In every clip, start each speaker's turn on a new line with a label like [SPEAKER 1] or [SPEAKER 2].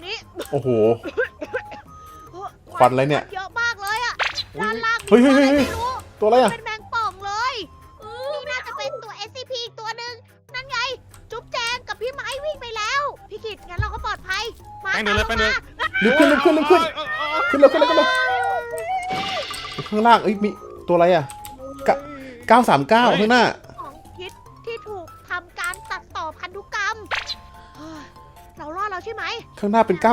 [SPEAKER 1] นี้
[SPEAKER 2] โอ้โห ควันอะไรเนี่ย
[SPEAKER 1] เยอะมากเลยอะด้านล่างมี
[SPEAKER 2] เฮ้ย
[SPEAKER 1] ตัวอะไร
[SPEAKER 2] เฮ้ย
[SPEAKER 1] ไม่รู้
[SPEAKER 2] ตัวอะไรอ่ะ
[SPEAKER 1] เป็นแมงป่องเลยนี่น่าจะเป็นตัว SCP อีกตัวหนึ่งนั่นไง จุ๊บแจงกับพี่ไม้วิ่งไปแล้ว พี่กิตงั้นเราก็ปลอดภัย มา
[SPEAKER 3] ไปเลยไปเลย
[SPEAKER 2] รีบขึ้นรีบขึ้นรีบขึ้นขึ้นเร็วขึ้นเร็วขึ้นเร็วข้างล่างเอ้ยมีตัวอะไรอ่ะ 939ข้างหน้า
[SPEAKER 1] ของพิษที่ถูกทำการตัดต่อพันธุกรรมเฮ้ยเรารอดแล้วใช่ไหม
[SPEAKER 2] ข้างหน้าเป็น 939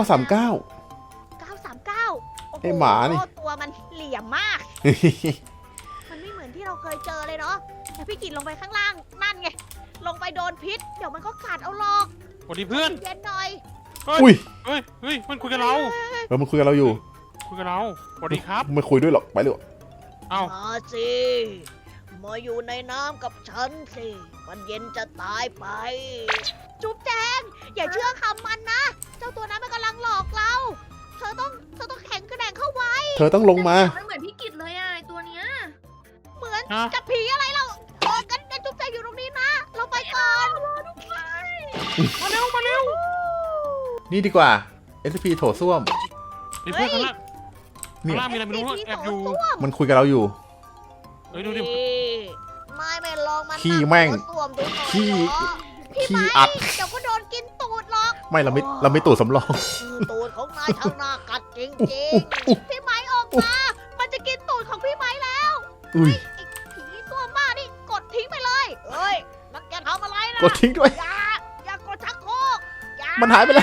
[SPEAKER 1] 939
[SPEAKER 2] ไอ้หมานี่
[SPEAKER 1] ตัวมันเหลี่ยมมาก มันไม่เหมือนที่เราเคยเจอเลยเนาะแต่พี่กิตลงไปข้างล่างนั่นไง ลงไปโดนพิษ เดี๋ยวมันก็ขาดเอาหรอก
[SPEAKER 3] สวัสดีเพื่อน
[SPEAKER 1] เย็นหน่อย
[SPEAKER 2] อุ้ย
[SPEAKER 3] เฮ้ยมันคุยกับเรา
[SPEAKER 2] มันคุยกับเราอยู่
[SPEAKER 3] คุยกับเราสวัสดีครับ
[SPEAKER 2] ไม่คุยด้วยหรอกไปเลย
[SPEAKER 3] เอ้า
[SPEAKER 1] มาสิ มาอยู่ในน้ำกับฉันสิ มันเย็นจะตายไป จุ๊บแจง อย่าเชื่อคำมันนะ เจ้าตัวนั้นมันกำลังหลอกเรา เธอต้องแข็งกระแดงเข้าไว้
[SPEAKER 2] เธอต้องลงมา
[SPEAKER 4] มันเหมือนพี่กิตเลยอ่ะไอ้ตัวเนี้ย
[SPEAKER 1] เหมือน
[SPEAKER 3] ฮะ
[SPEAKER 1] กับผีอะไรเรากันจุ๊บแจงอยู่ตรงนี้นะ เราไปก่อน
[SPEAKER 3] มาเร็วมาเร็ว
[SPEAKER 2] นี่ดีกว่า SCP โถส้วม
[SPEAKER 3] มีเพื่อนข้างล่าง
[SPEAKER 2] นี่
[SPEAKER 3] ข้างล่างมีอะไรไม่รู้แอบอยู่
[SPEAKER 2] มันคุยกับเราอยู่
[SPEAKER 3] เฮ้ยดูดิ
[SPEAKER 1] ไม่ลองมา
[SPEAKER 2] ขี้แม่ง
[SPEAKER 1] สวมดูหน่อย
[SPEAKER 2] ขี้
[SPEAKER 1] เหรอพี่
[SPEAKER 2] ขี้
[SPEAKER 1] ไม้
[SPEAKER 2] อัด
[SPEAKER 1] เดี๋ยวก็โดนกินตูดหรอก
[SPEAKER 2] ไม่เราไม่ตูดสำรอง
[SPEAKER 1] ตูดของนายช่างน่ากัดจริง
[SPEAKER 2] อุ๊ย
[SPEAKER 1] ๆ พี่ไม้ออกมา มันจะกินตูดของพี่ไม้แล้ว
[SPEAKER 2] อุ้ย
[SPEAKER 1] ไอ้ผีตัวบ้านี่กดทิ้งไปเลย เฮ้ย นักแกทำอะไรนะ
[SPEAKER 2] กดทิ้งด้วย
[SPEAKER 1] อย่ากดชักโครกอย่า
[SPEAKER 2] มันหายไปแล้ว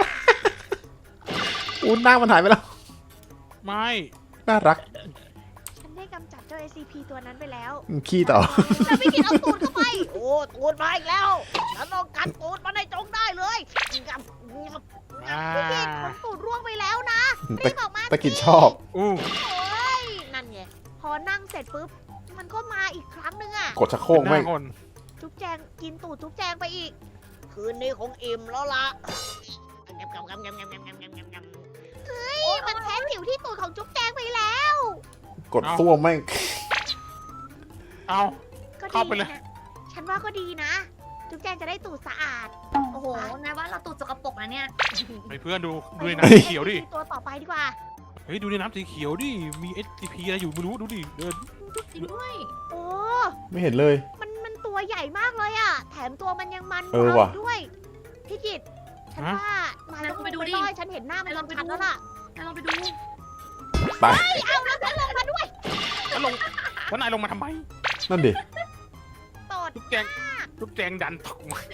[SPEAKER 2] อู้หน้ามันหายไปแล้ว
[SPEAKER 3] ไม่
[SPEAKER 2] น่ารัก
[SPEAKER 1] ฉันได้กำจัดเจ้า SCP ตัวนั้นไปแล้ว
[SPEAKER 2] ขี้ต่อ
[SPEAKER 1] แล้วพี่กินเอาตูดเข้าไป โอ้ตูดมาอีกแล้ว ฉันต้องกัดตูดมันให้จงได้เลยงับงับ
[SPEAKER 3] อ่า
[SPEAKER 1] พี่กินของตูดร่วงไปแล้วนะ
[SPEAKER 2] ตะ
[SPEAKER 1] รีบออกมา
[SPEAKER 2] ตะกิดชอบ
[SPEAKER 3] อู้
[SPEAKER 1] โอ้ยนั่นไง พอนั่งเสร็จปุ๊บ มันก็มาอีกครั้งหนึ่งอะ
[SPEAKER 2] กดชักโครก
[SPEAKER 3] ห
[SPEAKER 2] ไม่
[SPEAKER 3] น้าคน
[SPEAKER 1] จุ๊บแจงกินตูดจุ๊บแจงไปอีก คืนนี้คงอิ่มแล้วล่ะเฮ้ย มันแทะผิวที่ตูดของจุ๊บแจงไปแล้ว
[SPEAKER 2] กดส้วมไม่ง
[SPEAKER 3] เอ้า
[SPEAKER 1] ก็ดี
[SPEAKER 3] เข้าไปเลย
[SPEAKER 1] นะฉันว่าก็ดีนะ จุ๊บแจงจะได้ตูดสะอาด
[SPEAKER 4] โอ้โหนายว่าเราตูดสกปรกนะเนี่ย
[SPEAKER 3] ไอ้เพื่อนดูในน้ำสีเขียวดิ
[SPEAKER 1] ตัวต่อไปดีกว่า
[SPEAKER 3] เฮ้ยดูในน้ำสีเขียวดิ มี SCP อะไรอยู่ไม่รู้ดูดิเดิน
[SPEAKER 4] จริงด้วย
[SPEAKER 1] โอ้
[SPEAKER 2] ไม่เห็นเลย
[SPEAKER 1] มันตัวใหญ่มากเลยอะแถมตัวมันยังมัน
[SPEAKER 2] เออว่ะ
[SPEAKER 1] ด้วย พี่กิตฉันว่านายต้องไปดูดิฉันเห็นหน้ามันชัดๆแล้วล่ะ
[SPEAKER 4] นายลองไปดู
[SPEAKER 2] ตาย
[SPEAKER 1] เอาแล้วฉันลงมาด้วย
[SPEAKER 3] แล้วลงแล้วนายลงมาทำไม
[SPEAKER 2] นั่นดิ
[SPEAKER 1] ตด
[SPEAKER 3] ลูกแจงลูกแจงดันตกมาน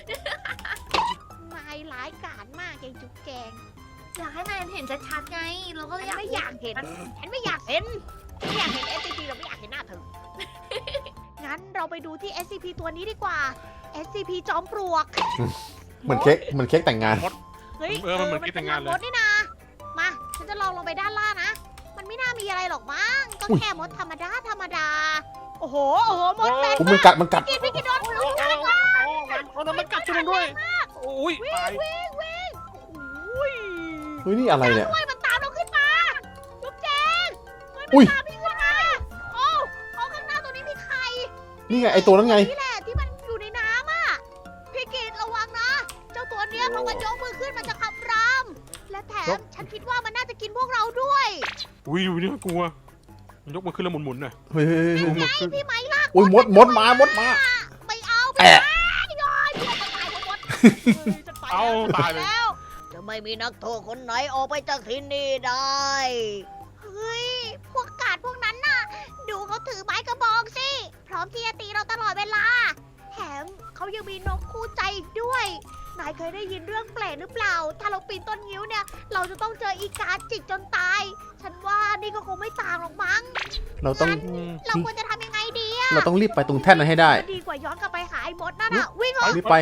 [SPEAKER 1] ายร้ายกาจมากเองจุ๊บแจง
[SPEAKER 4] อยากให้นายเห็นชัดๆไง เราก็
[SPEAKER 1] ฉันไม่อยากเห็น ฉันไม่อยากเห็น ไม่อยากเห็น SCP เราไม่อยากเห็นหน้าเธอ งั้นเราไปดูที่ SCP ตัวนี้ดีกว่า SCP จอมปลวก
[SPEAKER 2] เหมือนเค้กแต่งงาน
[SPEAKER 1] เฮ้ย
[SPEAKER 3] มันเหมือนคิดแต่งงานเลย
[SPEAKER 1] มดนี่นะ มา ฉันจะลองลงไปด้านล่างนะ มันไม่น่ามีอะไรหรอกมั้ง ก็
[SPEAKER 2] อุ๊ย
[SPEAKER 1] แค่มดธรรมดาธรรมดา โอ้โห มดเป็น
[SPEAKER 2] ผมมันกัด
[SPEAKER 1] พี่กินโดน
[SPEAKER 3] โอ้มันกัดจุนด้วยโอ้ยตาย
[SPEAKER 1] อุ้ย
[SPEAKER 2] เฮ้ยนี่อะไรเนี่ย
[SPEAKER 1] ด้วยมันตามเราขึ้นมาจุ๊บแจงเฮ้ย
[SPEAKER 2] อุ๊
[SPEAKER 1] มัน
[SPEAKER 2] ย
[SPEAKER 1] ตามพี่ขึ้นมาโอ้ข้างหน้าตัวนี้มีใคร
[SPEAKER 2] นี่ไงไอตัวนั้นไง
[SPEAKER 1] นี่แหละที่มันอยู่ในน้ำอ่ะ พี่กิตระวังนะ เจ้าตัวเนี้ยพอมันยกมือขึ้นมันจะขับราม และแถมฉันคิดว่ามันน่าจะกินพวกเราด้วย
[SPEAKER 3] อุ้ยดูนี่กลัว มันยกมือขึ้นแล้วหมุนๆน่ะ
[SPEAKER 2] เฮ้ย
[SPEAKER 1] ไงพี่ไม้ลาก
[SPEAKER 2] อุ้ยมดมา
[SPEAKER 1] ไม่เอา
[SPEAKER 2] แอะ
[SPEAKER 1] ไม่ได้เพื่อนจะตายเพราะมดฉันไป
[SPEAKER 3] เอา
[SPEAKER 1] แล้ว
[SPEAKER 3] ตายเลย
[SPEAKER 1] แล้ว จะไม่มีนักโทษคนไหนออกไปจากที่นี่ได้ เฮ้ย พวกกาดพวกนั้นน่ะ ดูเขาถือไม้กระบองสิ พร้อมที่จะตีเราตลอดเวลา แถมเขายังมีนกคู่ใจอีกด้วย นายเคยได้ยินเรื่องแปลกหรือเปล่า ถ้าเราปีนต้นงิ้วเนี่ย เราจะต้องเจออีกาจิกจนตาย ฉันว่านี่ก็คงไม่ต่างหรอกมั้ง
[SPEAKER 2] เราต้อง
[SPEAKER 1] เราควรจะทำยังไงดีอะ
[SPEAKER 2] เราต้องรีบไปตรงแท่นนั้นให้ได้
[SPEAKER 1] ดีกว่าย้อนกลับไปหาไอ้มดนั่นอะวิ่งเหรอ
[SPEAKER 2] รีบไป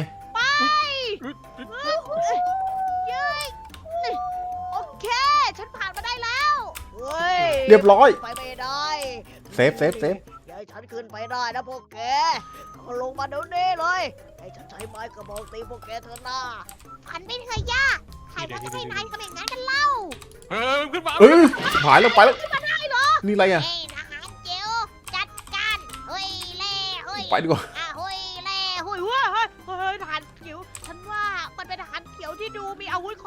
[SPEAKER 1] เย้ยโอเค ฉันผ่านมาได้แล้ว เฮ้ย
[SPEAKER 2] เรียบร้อย
[SPEAKER 1] ไปไม่ได้
[SPEAKER 2] เซฟ
[SPEAKER 1] อย่าให้ฉันขึ้นไปได้นะพวกแกก็ลงมาเดี๋ยวนี้เลยให้ฉันใช้ไม้กระบอกตีพวกแกเถอะนะฝันไม่เคยยากใครว่าจะให้นายทำอย่างนั้นกันเล่า
[SPEAKER 3] เฮ้ยขึ้นมา
[SPEAKER 2] เออหายแล้วไปแล้วนี่อะไรอ่ะ
[SPEAKER 1] เฮ้ยทหารเจียวจัดการเฮ้ยเล่เฮ้ย
[SPEAKER 2] ไปดีกว่า
[SPEAKER 1] เฮ้ยเล่เฮ้ยเฮ้ยทหารเขียวฉันว่ามันเป็นทหารเขียวที่ดูมีอาวุธครบ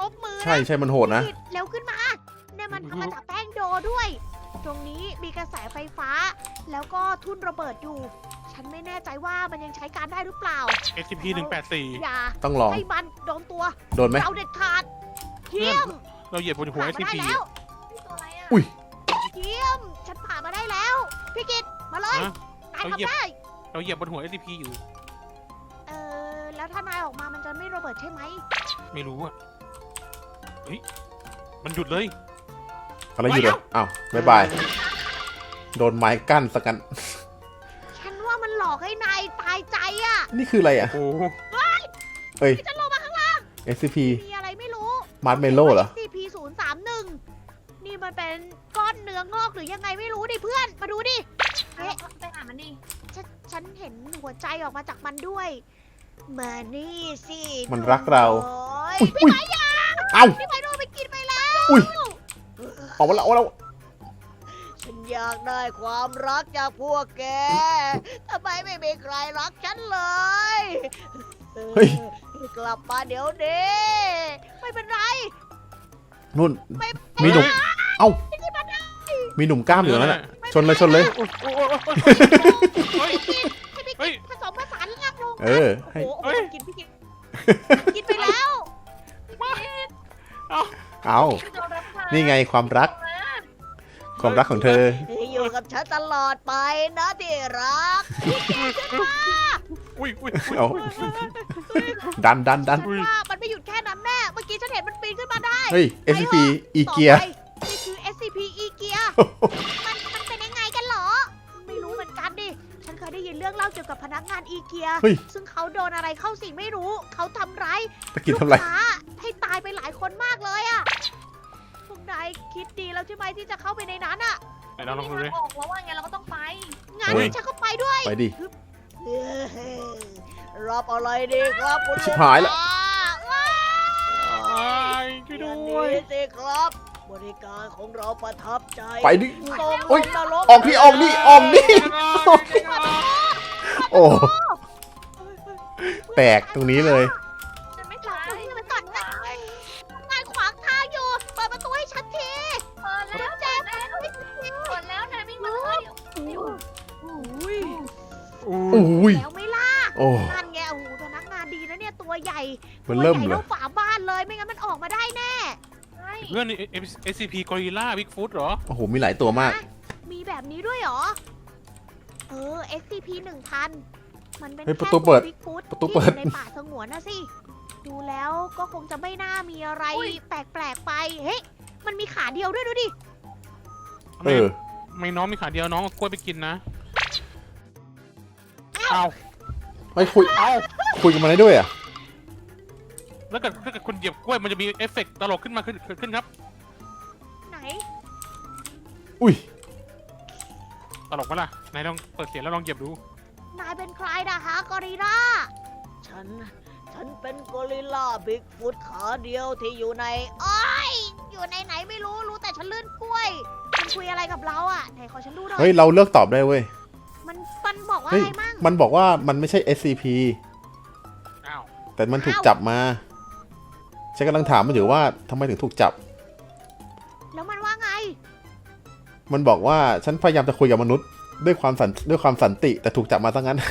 [SPEAKER 1] รบมือนะ
[SPEAKER 2] ใช่ใช่มันโหดนะ
[SPEAKER 1] เร็วขึ้นมาเนี่ยมันทำมาจากแป้งโดด้วย ตรงนี้มีกระแสไฟฟ้า แล้วก็ทุ่นระเบิดอยู่ ฉันไม่แน่ใจว่ามันยังใช้การได้หรือเปล่า
[SPEAKER 3] SCP 184
[SPEAKER 1] อย่า
[SPEAKER 2] ต้องลอง
[SPEAKER 1] ให้มันโดนตัว
[SPEAKER 2] โดนไหม
[SPEAKER 1] เราเด็ดขาดเยี่ยม
[SPEAKER 3] เราเหยียบบนหัว
[SPEAKER 1] ผ่านมาได้
[SPEAKER 3] SCP
[SPEAKER 1] แล้ว
[SPEAKER 4] นี่ตัวอะไรอ่ะ
[SPEAKER 2] อุ้ย
[SPEAKER 1] เยี่ยม ฉันผ่านมาได้แล้ว พี่กิตมาเลย
[SPEAKER 3] ฮะ
[SPEAKER 1] นาย
[SPEAKER 3] เอาเหยียบ
[SPEAKER 1] ทำได้
[SPEAKER 3] เราเหยียบบนหัว SCP อยู่
[SPEAKER 1] แล้วถ้านายออกมามันจะไม่ระเบิดใช่ไหม
[SPEAKER 3] ไม่รู้อะเฮ้ย มันหยุดเลย
[SPEAKER 2] อะไรอยู่เลยอ้าวบ๊ายบาย โดนไม้กั้นสักกัน
[SPEAKER 1] ฉันว่ามันหลอกให้นายตายใจอะ
[SPEAKER 2] นี่คืออะไรอ่ะ
[SPEAKER 3] โอ้โห
[SPEAKER 2] เอ้ย
[SPEAKER 1] ที่ฉันลงมาข้างล่าง
[SPEAKER 2] SCP
[SPEAKER 1] มีอะไรไม่รู้
[SPEAKER 2] มาร์ชเมลโล่เหรอ
[SPEAKER 1] SCP 031นี่มันเป็นก้อนเนื้องอกหรือยังไงไม่รู้ดิเพื่อน มาดูดิ
[SPEAKER 4] เอ๊ะไปหามันดิ
[SPEAKER 1] ฉันเห็นหัวใจออกมาจากมันด้วย มานี่สิ
[SPEAKER 2] มันรักเรา
[SPEAKER 1] โอ้ย
[SPEAKER 2] อุ้ยอุ้ยเอ้า
[SPEAKER 1] พี่ไม้โดนไปกินไปแล้ว
[SPEAKER 2] อุ้ย ออกมาแล้วออกมาแล้ว
[SPEAKER 1] ฉันอยากได้ความรักจากพวกแก ทำไมไม่มีใครรักฉันเลย
[SPEAKER 2] เฮ้ย
[SPEAKER 1] กลับมาเดี๋ยวนี้ไม่เป็นไร
[SPEAKER 2] นู่น
[SPEAKER 1] ไม่
[SPEAKER 2] มีหนุ่ม เอ้า
[SPEAKER 1] ไม่ได้มาได้
[SPEAKER 2] มีหนุ่มกล้ามอยู่นั่นน่ะ ชนเลยชนเลย
[SPEAKER 3] โอ้โหเฮ้ย
[SPEAKER 1] ให้พี่
[SPEAKER 3] เฮ้
[SPEAKER 1] กิ
[SPEAKER 3] ย
[SPEAKER 1] นผสมผสานร่างลง
[SPEAKER 2] เออ
[SPEAKER 1] โอ้
[SPEAKER 2] ให้
[SPEAKER 1] โห
[SPEAKER 3] เฮ้ย
[SPEAKER 1] กินพี่กินกินไปแล้ว
[SPEAKER 2] เอา
[SPEAKER 4] คือโดนรับพา
[SPEAKER 2] นี่ไงความรัก ความรักของเธอ
[SPEAKER 1] อยู่กับฉันตลอดไปนะที่รัก
[SPEAKER 3] อุ้ยอุ้ย
[SPEAKER 2] เอาดันดันดัน
[SPEAKER 1] ฉันว่ามันไม่หยุดแค่นั้นแน่ เมื่อกี้ฉันเห็นมันปีนขึ้นมาได้
[SPEAKER 2] เฮ้ย SCP อีเกีย
[SPEAKER 1] ต่อไปนี่คือ SCP อีเกีย มันเป็นยังไงกันเหรอ ไม่รู้เหมือนกันดิ ฉันเคยได้ยินเรื่องเล่าเกี่ยวกับพนักงานอีเกีย
[SPEAKER 2] เฮ้ย
[SPEAKER 1] ซึ่งเขาโดนอะไรเข้าสิ่งไม่รู้ เขาทำร้าย
[SPEAKER 2] ตะกี้ทำไร
[SPEAKER 1] ลูกค้าให้ตายไปหลายคนมากเลยอะพวกนายคิดดีแล้วใช่ไหมที่จะเข้าไปในนั้นอะ
[SPEAKER 3] ไหนเราลองดู
[SPEAKER 4] มี
[SPEAKER 3] ดิ
[SPEAKER 4] ทางออกแล้วว่าไงเราก็ต้องไป
[SPEAKER 1] งาน
[SPEAKER 2] เฮ้ย
[SPEAKER 1] นี้ฉันก็ไปด้วย
[SPEAKER 2] ไปดิ
[SPEAKER 1] รับอะไรดีครับคุณ
[SPEAKER 2] ชิบหายแล้ว
[SPEAKER 1] ว้า
[SPEAKER 3] อ้ายช่วยด้วย
[SPEAKER 1] นี่สิครับ บริการของเราประทับใจ
[SPEAKER 2] ไปดิ
[SPEAKER 1] ส่ง
[SPEAKER 2] โอ๊ย
[SPEAKER 1] ลงนรก
[SPEAKER 2] ออกดิออกดิออกดิ โอ้ แตกตรงนี้เลย
[SPEAKER 4] ฉันไม่
[SPEAKER 1] หลั
[SPEAKER 4] ตา
[SPEAKER 1] บ
[SPEAKER 4] ย
[SPEAKER 1] ตรงนี้ไปก่อนนะนายขวางทางอยู่ เปิดประตูให้ฉันที
[SPEAKER 4] เปิดแล้ว
[SPEAKER 1] แจ้ง
[SPEAKER 4] เปิดแล้วนายวิ่งมาเลยเดี๋ยว
[SPEAKER 1] อุ้ย
[SPEAKER 2] อุ้ย
[SPEAKER 1] แล้วไม่ล่ะ
[SPEAKER 2] โอ้
[SPEAKER 1] นั่นไงโอ้โหพนักงานดีนะเนี่ยตัวใหญ่
[SPEAKER 2] มัน
[SPEAKER 1] ตัว
[SPEAKER 2] เริ่ม
[SPEAKER 1] ใหญ่
[SPEAKER 2] เล
[SPEAKER 1] เท่าย ฝาบ้านเลย ไม่งั้นมันออกมาได้แน่
[SPEAKER 4] ใช่
[SPEAKER 3] เพื่อนนี่ SCP Gorilla Bigfoot เหรอ
[SPEAKER 2] โอ้โห มีหลายตัวมาก
[SPEAKER 1] มีแบบนี้ด้วยเหรอ SCP 1000 มันเป็น
[SPEAKER 2] เฮ้ย
[SPEAKER 1] แค่
[SPEAKER 2] ประตูเปิด
[SPEAKER 1] บิ๊กฟุต
[SPEAKER 2] ประตูเปิด
[SPEAKER 1] ที่อยู่ในป่าสงวนนะสิ ดูแล้วก็คงจะไม่น่ามีอะไรแปลกๆไป เฮ้ย มันมีขาเดียวด้วยดูดิ
[SPEAKER 2] เออ
[SPEAKER 3] ไม่น้องมีขาเดียวน้องเอากล้วยไปกินนะเอา
[SPEAKER 2] ไม่คุย
[SPEAKER 3] เอา
[SPEAKER 2] คุยกันมาได้ด้วยอ่ะ
[SPEAKER 3] แล้วถ้าเกิดคุณเหยียบกล้วยมันจะมีเอฟเฟกต์ตลกขึ้นมาขึ้นครับ
[SPEAKER 1] ไหน
[SPEAKER 2] อุ้ย
[SPEAKER 3] ตลกปะล่ะไหนลองเปิดเสียงแล้วลองเหยียบดู
[SPEAKER 1] นายเป็นใครนะฮะกอริลล่า ฉันเป็นกอริลล่าบิ๊กฟุตขาเดียวที่อยู่ในอ้อยอยู่ในไหนไม่รู้ รู้แต่ฉันลื่นกล้วย มันคุยอะไรกับเราอ่ะ ไหนขอฉันดูหน่อย
[SPEAKER 2] เฮ้ย เราเลือกตอบได้เว้ย
[SPEAKER 1] มันบอกว่า
[SPEAKER 2] เฮ้ย
[SPEAKER 1] อะไรมั่ง
[SPEAKER 2] มันบอกว่ามันไม่ใช่ SCP
[SPEAKER 3] อ้าว
[SPEAKER 2] แต่มันถูกจับมา ฉันกำลังถามมันอยู่ว่าทำไมถึงถูกจับ
[SPEAKER 1] แล้วมันว่าไง
[SPEAKER 2] มันบอกว่าฉันพยายามจะคุยกับมนุษย์ด้วยความสันติ แต่ถูกจับมาซะงั้น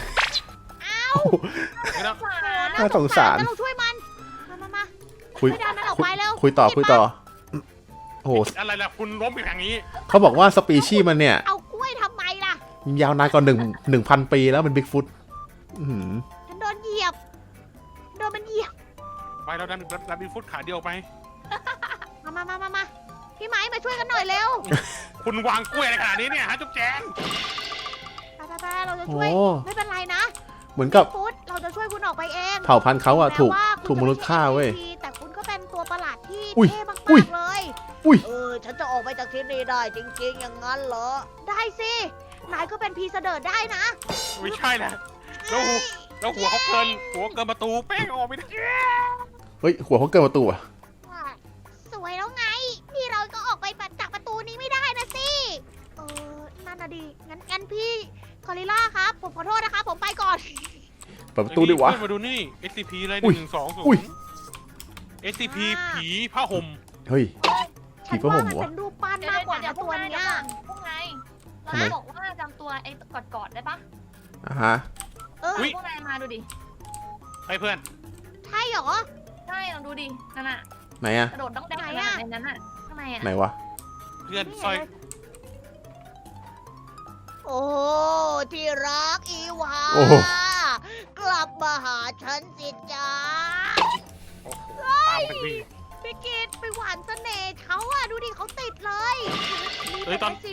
[SPEAKER 3] ไม่ต้อง
[SPEAKER 4] สา
[SPEAKER 1] โอ้
[SPEAKER 2] น่าสงสาร
[SPEAKER 1] งั้นเราช่วยมัน มา
[SPEAKER 2] คุย
[SPEAKER 1] ไม่ได้มันออกไปแล้ว
[SPEAKER 2] คุยต่อคุยต่อ โอ้โห
[SPEAKER 3] อะไรล่ะคุณล้มอยู่อย่างนี้
[SPEAKER 2] เขาบอกว่าสปีชีส์มันเนี่ย
[SPEAKER 1] เอากล้วยทำไมล่ะ
[SPEAKER 2] ยาวนานกว่า1,000 ปีแล้วเป็นบิ๊กฟุต
[SPEAKER 1] ฉันโดนเหยียบ โดนมันเหยียบ
[SPEAKER 3] ไปเราดันมีฟุตขาเดียวไป
[SPEAKER 1] มาพี่ไม้มาช่วยกันหน่อยเร็ว
[SPEAKER 3] คุณวางกล้วยอะไรขนาดนี้เนี่ยฮะจุ๊บแจง
[SPEAKER 1] ไปเราจะ
[SPEAKER 2] โอ้
[SPEAKER 1] ช่วย ไม่เป็นไรนะ
[SPEAKER 2] เหมือนกับ
[SPEAKER 1] ฟุตเราจะช่วยคุณออกไปเอง
[SPEAKER 2] เผ่าพันธุ์เขาอะ
[SPEAKER 1] แม้
[SPEAKER 2] ถูก
[SPEAKER 1] ว่าคุณ
[SPEAKER 2] ถูกมนุษย์ฆ่าเว้ย
[SPEAKER 1] จะไม่ใช่ SCP แต่คุณก็เป็นตัวประหลาดที่
[SPEAKER 2] อุ้ย
[SPEAKER 1] เท่มาก
[SPEAKER 2] อุ้ย
[SPEAKER 1] ๆเลย
[SPEAKER 2] อุ้ย
[SPEAKER 1] ฉันจะออกไปจากที่นี่ได้จริงๆ อย่างนั้นเหรอ ได้สิ นายก็เป็นพีเสดิร์ดได้นะ
[SPEAKER 3] ไม่ใช่นะแล้วหัวเขาเกินประตูแป้งออกไม่ได้
[SPEAKER 2] เฮ้ย หัวเขาเกินประตูอะ
[SPEAKER 1] สวยแล้วไง นี่เราก็ออกไปจากประตูนี้ไม่ได้นะสิ นั่นน่ะดิ งั้นพี่คอริลล่าครับ ผมขอโทษนะคะ ผมไปก่อน
[SPEAKER 2] เปิดประตูดิวะ
[SPEAKER 3] มาดูนี่ SCP อะไร
[SPEAKER 2] อุ้ย
[SPEAKER 3] 120
[SPEAKER 2] อุ้ย
[SPEAKER 3] SCP ผีผ้าห่ม
[SPEAKER 2] เฮ้ย ผี
[SPEAKER 1] ฉัน
[SPEAKER 2] ผ้าห่
[SPEAKER 1] ว่าม มัน
[SPEAKER 2] วะ
[SPEAKER 1] เป็นรูปปั้นมากกว่านะตัวเนี้ย
[SPEAKER 4] พวกนาย
[SPEAKER 2] ทำไม
[SPEAKER 4] เราบอกว่าจำตัวไอ้กอดได้ปะ
[SPEAKER 2] อ่ะฮะ
[SPEAKER 1] เออ
[SPEAKER 4] พวกนายมาดูดิ
[SPEAKER 3] ให้เพื่อน
[SPEAKER 1] ใช่เหรอ
[SPEAKER 4] ใช่ลองดูดินั่นน่ะ
[SPEAKER 2] ไหนอะ
[SPEAKER 4] กระโดดต้องได้
[SPEAKER 1] ไหน
[SPEAKER 4] ข
[SPEAKER 1] อะ
[SPEAKER 4] นาดในนั้นน่ะข้างในอ่ะ
[SPEAKER 2] ไหนวะ
[SPEAKER 3] เพื่อนสร้อย
[SPEAKER 1] โอ้ที่รักอีวา
[SPEAKER 2] โอ้โห
[SPEAKER 1] กลับมาหาฉันสิจ้า
[SPEAKER 3] โอ้โหตามไปพี่
[SPEAKER 1] พี่กิตไปหวานเสน่ห์เขาอะดูดิเขาติดเลย
[SPEAKER 3] เฮ้
[SPEAKER 1] นี่
[SPEAKER 3] ยต
[SPEAKER 1] เป็
[SPEAKER 3] อน
[SPEAKER 1] น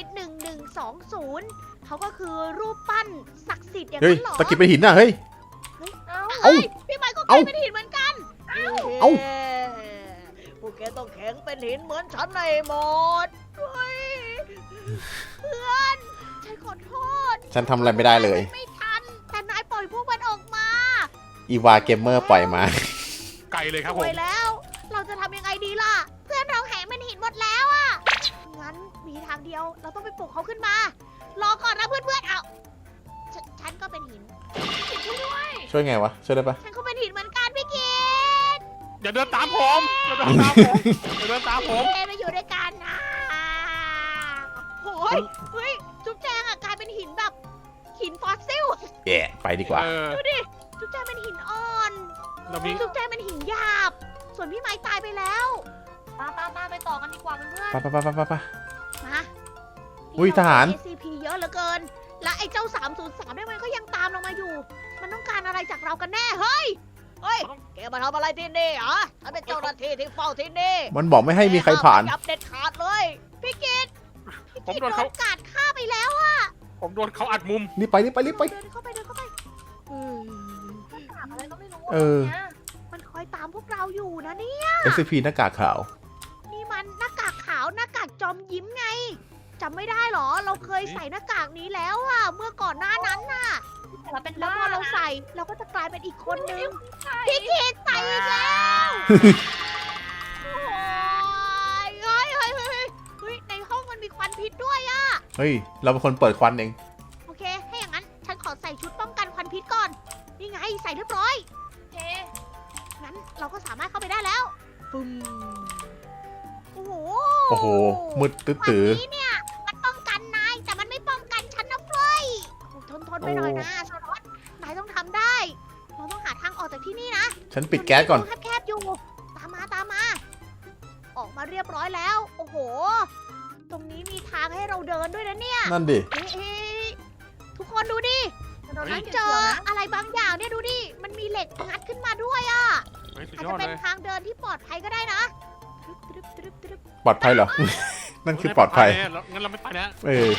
[SPEAKER 1] SCP-1120เขาก็คือรูปปั้นศักดิ์สิทธิ์อย่าง
[SPEAKER 2] เฮ้ย
[SPEAKER 1] นั้นเหรอ
[SPEAKER 2] ตะกิดเป็นหินน่ะเฮ้ย
[SPEAKER 4] เอ้า
[SPEAKER 2] เอ้า
[SPEAKER 1] เฮ้ยพี่ไม้ก็ก
[SPEAKER 2] เอ้า
[SPEAKER 1] ลายเป็นหินเหมือนกัน
[SPEAKER 2] เอ้า
[SPEAKER 1] พวกแกต้องแข็งเป็นหินเหมือนฉันในหมดเฮ้ยเพื่อนฉันขอโทษ
[SPEAKER 2] ฉันทำอะไรไม่ได้เลย
[SPEAKER 1] ไม่ทัน แต่นายปล่อยพวกมันออกมา
[SPEAKER 2] อีวาเกมเมอร์ปล่อยมา
[SPEAKER 3] ไกลเลยครับ
[SPEAKER 1] ส
[SPEAKER 3] ผม
[SPEAKER 1] วยแล้ว เราจะทำยังไงดีล่ะ เพื่อนเราแข็งเป็นหินหมดแล้วอะงั้นมีทางเดียว เราต้องไปปลุกเขาขึ้นมา รอก่อนนะเพื่อนๆ เอาฉันก็เป็นหิน
[SPEAKER 4] ช่วยด้วย
[SPEAKER 2] ช่วยไงวะ ช่วยได้ปะ
[SPEAKER 1] ฉันก็เป็นหินเหมือนกันพี่กิต
[SPEAKER 3] อย่าเดินตามผมอย่าเดินตามผมอย่าเดินตามผม
[SPEAKER 1] เมาอยู่ด้วยกันนะโอ้ยเฮ้ย จุ๊บแจงอะกลายเป็นหินแบบ หินฟอสซิล
[SPEAKER 2] แย่ไปดีกว่า
[SPEAKER 3] เออ
[SPEAKER 1] ดูดิ จุ๊บแจงเป็นหินอ่อน
[SPEAKER 3] เรามี
[SPEAKER 1] จุ๊บแจงเป็นหินหยาบ ส่วนพี่ไม้ตายไปแล้ว
[SPEAKER 4] ตามไปต่อกันดีกว่าเพื่อน
[SPEAKER 2] ไปไปไปไปไปไป
[SPEAKER 1] มา
[SPEAKER 2] อุ้ยทหาร
[SPEAKER 1] SCP เยอะเหลือเกิน และไอ้เจ้า 303เนี่ยมันก็ยังตามเรามาอยู่ มันต้องการอะไรจากเรากันแน่ เฮ้ย เฮ้ย แกมาทำอะไรที่นี่เหรอฉันเป็นเจ้าหน้าที่ที่เฝ้าที่นี่
[SPEAKER 2] มันบอกไม่ให้มีใครผ่าน
[SPEAKER 1] แกห้มขยับเด็ดขาดเลย พี่กิต
[SPEAKER 3] ผม
[SPEAKER 1] พี่
[SPEAKER 3] โด
[SPEAKER 1] โด
[SPEAKER 3] น
[SPEAKER 1] น
[SPEAKER 3] เขา
[SPEAKER 1] กาดฆ่าไปแล้วอะ
[SPEAKER 3] ผมโดนเขาอัดมุม
[SPEAKER 2] รีบไปรีบไปรีบไป
[SPEAKER 1] เดินเข้าไปเดินเข้าไป
[SPEAKER 4] ๆถามอะไรก็ไม่รู้
[SPEAKER 2] เออ
[SPEAKER 4] นี่ย
[SPEAKER 1] มันคอยตามพวกเราอยู่นะนี่
[SPEAKER 2] SCP หน้ากากขาว
[SPEAKER 1] นี่มันหน้ากากขาวหน้ากากจอมยิ้มไงจำไม่ได้เหรอ เราเคยใส่หน้ากากนี้แล้วอะเมื่อก่อนหน้านั้นน่ะ
[SPEAKER 4] แต่เราเป็น
[SPEAKER 1] แล้ว
[SPEAKER 4] บ้า
[SPEAKER 1] พอเรา
[SPEAKER 4] นะ
[SPEAKER 1] ใส่เราก็จะกลายเป็นอีกคนนึง
[SPEAKER 4] ใช่
[SPEAKER 1] พี่กิตใส่อีกแล้วโอ้ยเฮ้ยเฮ้ยเฮ้ยเฮ้ยเฮ้ยในห้องมันมีควันพิษด้วยอะ
[SPEAKER 2] เฮ้ย เราเป็นคนเปิดควันเอง
[SPEAKER 1] โอเคถ้าอย่างนั้นฉันขอใส่ชุดป้องกันควันพิษก่อนนี่ไงใส่เรียบร้อย
[SPEAKER 4] โอเค
[SPEAKER 1] งั้นเราก็สามารถเข้าไปได้แล้วปึ้มโอ้โห
[SPEAKER 2] โอ้โห มืดตื้อ
[SPEAKER 1] วัน
[SPEAKER 2] ตื้อ
[SPEAKER 1] นี้เนี่ยมันป้องกันนายแต่มันไม่ป้องกันฉันนะเฟ้ยทนไปหน่อยนะสารวัตรนายต้องทำได้ เราต้องหาทางออกจากที่นี่นะ
[SPEAKER 2] ฉันปิดแก๊สก่อน
[SPEAKER 1] มัมีรูแคบๆอยู่ ตามมา ออกมาเรียบร้อยแล้ว โอ้โห ตรงนี้มีทางให้เราเดินด้วยนะเนี่ย
[SPEAKER 2] นั่นดิ
[SPEAKER 1] เอ๊ะทุกคนดูดิ
[SPEAKER 4] เรา
[SPEAKER 1] ฉั
[SPEAKER 4] ต้อน ง
[SPEAKER 1] เจออะไรบางอย่างเนี่ยดูดิ มันมีเหล็กงัดขึ้นมาด้วยอะ
[SPEAKER 3] เฮ้ยสุด
[SPEAKER 1] อาจ
[SPEAKER 3] ยอ
[SPEAKER 1] จะ
[SPEAKER 3] ด
[SPEAKER 1] เป็น
[SPEAKER 3] เลย
[SPEAKER 1] ทางเดินที่ปลอดภัยก็ได้นะตรึบตรึบตรึบตรึบ
[SPEAKER 2] ปลอดภัยเหรอ นั่นคือปลอดภัย
[SPEAKER 3] งั้นเราไม่ไปแล้ว
[SPEAKER 2] เออ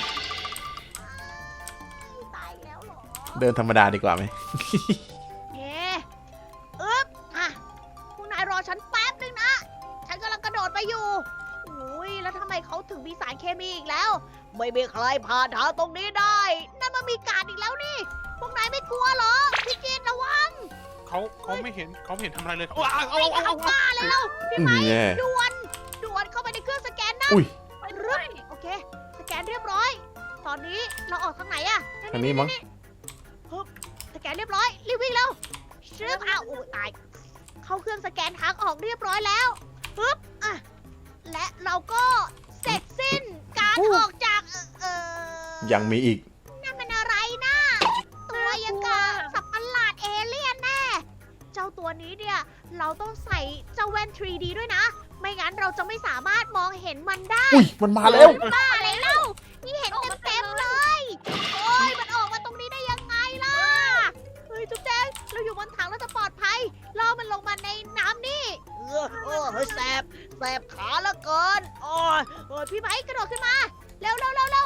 [SPEAKER 1] ตายแล้วเหรอ
[SPEAKER 2] เดินธรรมดาดีกว่าไหม
[SPEAKER 1] เย้อึ๊บอ่ะพวกนายรอฉันแป๊บนึงนะ ฉันกำลังกระโดดไปอยู่อุ้ยแล้วทำไมเขาถึงมีสารเคมีอีกแล้ว ไม่มีใครผ่านทางตรงนี้ได้ นั่นมันมีการอีกแล้วนี่ พวกนายไม่กลัวเหรอ พี่กินระวัง
[SPEAKER 3] เขาไม่เห็นทำอะไรเลยว้าว
[SPEAKER 1] ไม่เข้าบ้าแล้วพี่
[SPEAKER 2] อื
[SPEAKER 1] ไม้
[SPEAKER 2] มแย่
[SPEAKER 1] ด่วนเข้าไปในเครื่องสแกนนะ
[SPEAKER 2] อุ้ย
[SPEAKER 4] ไปด้วย
[SPEAKER 1] โอเค สแกนเรียบร้อย ตอนนี้เราออกทางไหนอะ
[SPEAKER 2] ทางนี้มั้ง
[SPEAKER 1] ฮึบสแกนเรียบร้อยรีบวิ่งเร็วชึบอ้าวโอ้ยตาย เข้าเครื่องสแกนทางออกเรียบร้อยแล้วฮึบอ่ะและเราก็เสร็จสิ้นการออกจาก
[SPEAKER 2] ยังมีอีก
[SPEAKER 1] นั่นมันอะไรนะตัวยังกับสัตว์ประหลาดเอเลี่ยนแน่ เจ้าตัวนี้เนี่ย เราต้องใส่เจ้าแว่น 3D ด้วยนะ ไม่งั้นเราจะไม่สามารถมองเห็นมันได้
[SPEAKER 2] อุ้ย มันมาแล้ว
[SPEAKER 1] บ้าอะไรเล่า นี่เห็นเต็มๆเลย โอ้ย มันออกมาตรงนี้ได้ยังไงล่ะ เฮ้ย จุ๊บแจ๊กเราอยู่บนถังเราจะปลอดภัยล่อมันลงมาในน้ำนี่เฮ้ยแสบขาละเกิน โอ้ยพี่ไม้กระโดดขึ้นมา เร็ว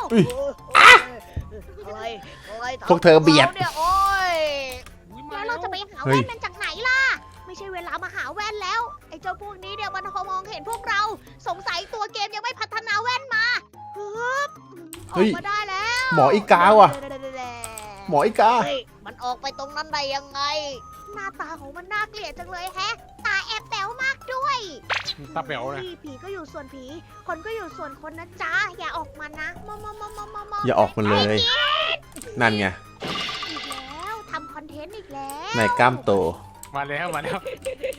[SPEAKER 1] อะไรทำ
[SPEAKER 2] พวกเธอเบียด
[SPEAKER 1] ราเนี่ยโอ้ย
[SPEAKER 3] มา
[SPEAKER 1] แล้ว
[SPEAKER 3] แล้
[SPEAKER 1] เรา
[SPEAKER 3] ว
[SPEAKER 1] จะไปหา
[SPEAKER 2] เฮ้
[SPEAKER 1] แว่
[SPEAKER 2] ย
[SPEAKER 1] นมันจากไหนล่ะ ไม่ใช่เวลามาหาแว่นแล้ว ไอ้เจ้าพวกนี้เนี่ยมันมองเห็นพวกเรา สงสัยตัวเกมยังไม่พัฒนาแว่นมาฮึบออกมาได้แล้ว
[SPEAKER 2] หมออีกาว่ะ หมออีกา
[SPEAKER 1] เฮ้ยมันออกไปตรงนั้นได้ยังไง หน้าตาของมันน่าเกลียดจังเลยแฮะ ตาแอบแป๋วมากด้วย
[SPEAKER 3] ตาเป๋วเลย
[SPEAKER 1] ผีก็อยู่ส่วนผี คนก็อยู่ส่วนคนนะจ๊ะ อย่าออกมานะมอ
[SPEAKER 2] อย่าออกมาเลย นั่นไง
[SPEAKER 1] อีกแล้วทำคอนเทนต์อีกแล้ว
[SPEAKER 2] ในกล้ามโต
[SPEAKER 3] มาแล้ว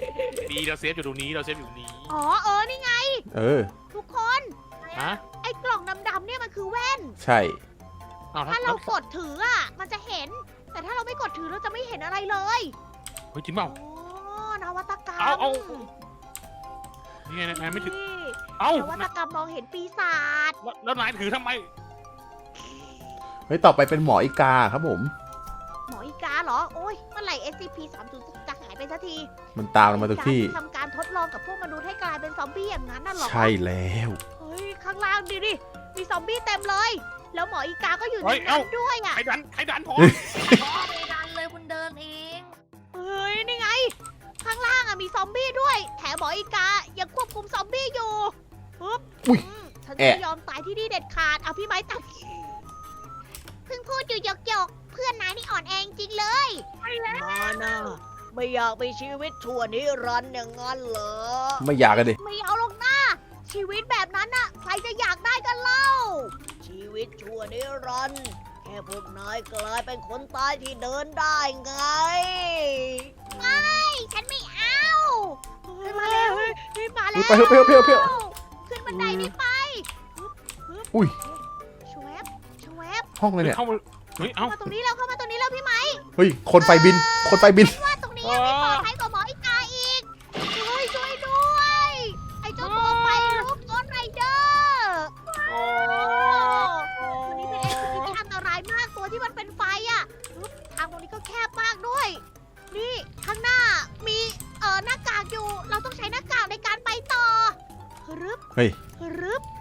[SPEAKER 3] ดีเราเซฟอยู่ตรงนี้เราเซฟอยู่ตรงนี้
[SPEAKER 1] อ๋อนี่ไง
[SPEAKER 2] เออ
[SPEAKER 1] ทุกคน
[SPEAKER 3] ฮะ
[SPEAKER 1] ไอ้กล่องดำๆเนี่ยมันคือแว่น
[SPEAKER 2] ใช่
[SPEAKER 3] อ้าว
[SPEAKER 1] ถ้าเรากดถืออ่ะ มันจะเห็น แต่ถ้าเราไม่กดถือเราจะไม่เห็นอะไรเลย
[SPEAKER 3] เฮ้ยจริงเปล่า
[SPEAKER 1] อ๋อนวัตกรรม
[SPEAKER 3] เอา นี่ไงนายไม่ถือ
[SPEAKER 1] นี่
[SPEAKER 3] เอ้าน
[SPEAKER 1] วัตกรรมมองเห็นปีศาจ
[SPEAKER 3] แล้วนายถือทำไม
[SPEAKER 2] เฮ้ย ต่อไปเป็นหมออีกาครับผม
[SPEAKER 1] หมออีกาเหรอ โอ้ยเมื่อไหร่ SCP-30 จะหายไปสักที
[SPEAKER 2] มันตามเรามาทุกที่
[SPEAKER 1] ทำการทดลองกับพวกมนุษย์ให้กลายเป็นซอมบี้อย่างนั้นน่ะเหรอ
[SPEAKER 2] ใช่แล้ว
[SPEAKER 1] เฮ้ย ข้างล่างดิ มีซอมบี้เต็มเลย แล้วหมออีกาก็อยู่
[SPEAKER 3] เฮ้
[SPEAKER 1] ใน
[SPEAKER 3] ย
[SPEAKER 1] นั้นด้วยอ่ะ
[SPEAKER 3] ใครดันผม
[SPEAKER 4] ไปดันเลยคุณเดินเอง
[SPEAKER 1] เฮ้ย นี่ไง ข้างล่างอ่ะมีซอมบี้ด้วย แถมหมออีกายังควบคุมซอมบี้อยู่ปึ๊บ
[SPEAKER 2] อุ๊ย
[SPEAKER 1] ฉันจะ
[SPEAKER 2] แอะ
[SPEAKER 1] ไม่ยอมตายที่นี่เด็ดขาด เอาพี่ไม้ตัดเพิ่งพูดอยู่หยกๆ เพื่อนนายนี่อ่อนแอจริงเลย มานะไม่อยากมีชีวิตชั่วนิรันดร์อย่างนั้นเหรอ
[SPEAKER 2] ไม่อยากกันดิ
[SPEAKER 1] ไม่เอาหรอกนะชีวิตแบบนั้นน่ะ ใครจะอยากได้กันเล่า ชีวิตชั่วนิรันดร์แค่พวกนายกลายเป็นคนตายที่เดินได้ไง ไม่ ฉันไม่เอาขึ้นมาแล้วขึ้นมาแล้ว
[SPEAKER 2] ไปเถอะไปเถอะไปเถอะไปเถอะ
[SPEAKER 1] ขึ้นบันไดนี่ไป
[SPEAKER 2] อุ้ย
[SPEAKER 1] ชวบชวบ
[SPEAKER 2] ห้องเลยเนี่ย
[SPEAKER 3] เข้ามาเฮ้ย เอ้า
[SPEAKER 1] เข้ามาตรงนี้แล้วเข้ามาตรงนี้แล้วพี่ไหม
[SPEAKER 2] เฮ้ย คนไฟบิน คนไฟบิน
[SPEAKER 1] ว่าตรงนี้ยังไม่ปลอดภัยกว่าหมออีกาอีกช่วยด้วย ไอ้เจ้าตัวไฟลุกโกนไรเดอร์ตัวนี้เป็น SCP ที่อันตรายมากตัวที่มันเป็นไฟอ่ะทางตรงนี้ก็แคบมากด้วย นี่ข้างหน้ามีหน้ากากอยู่ เราต้องใช้หน้ากากในการไปต่อรึบ
[SPEAKER 2] เฮ้ย
[SPEAKER 1] รึบ